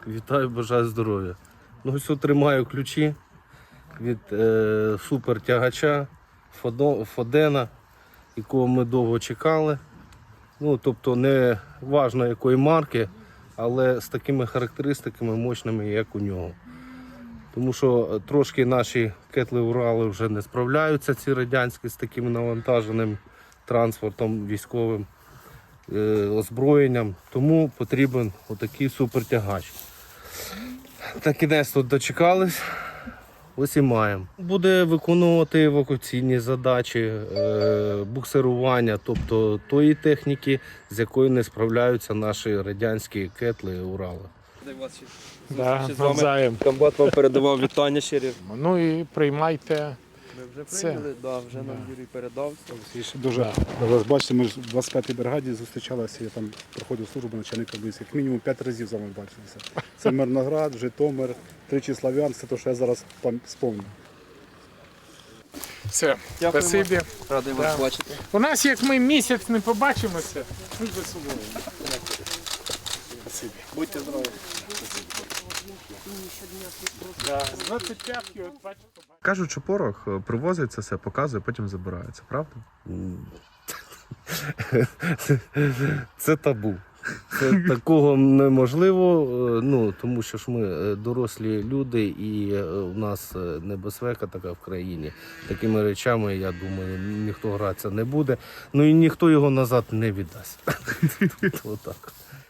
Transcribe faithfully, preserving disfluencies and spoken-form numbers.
Вітаю, бажаю здоров'я. Ну, ось от тримаю ключі від е, супертягача Фодо- Фодена, якого ми довго чекали. Ну, тобто не важливо якої марки, але з такими характеристиками мощними, як у нього. Тому що трошки наші кетли Урали вже не справляються, ці радянські, з таким навантаженим транспортом військовим, е, озброєнням. Тому потрібен отакий супертягач. На кінець тут дочекались, ось і маємо. Буде виконувати евакуаційні задачі, е, буксирування, тобто тої техніки, з якою не справляються наші радянські кетли Урали. Да, навзаєм. Комбат вам передавав вітання щирі. Ну і приймайте. Ми вже Це. прийняли, да, вже нам Юрій передав. Дуже рад вас бачити. Ми ж в двадцять п'ятій бригаді зустрічалися, я там проходив службу начальника близько. Як мінімум п'ять разів з вами бачилися. Це Мирноград, Житомир, тричі Слов'янськ, це те, що я зараз пам- спомню. Все, Дякуємо. спасибі. Радий Да. вас бачити. У нас, як ми місяць не побачимося, ми без собою. Спасибі. Будьте здорові. Да, з двадцять п'ятої, от бачите, побачите. Кажуть, що порох привозить це все, показує, потім забирається, правда? Це табу. Це такого неможливо, е, ну, тому що ж ми е, дорослі люди і е, у нас е, небезпека така в країні. Такими речами, я думаю, ніхто гратися не буде. Ну і ніхто його назад не віддасть. Отак.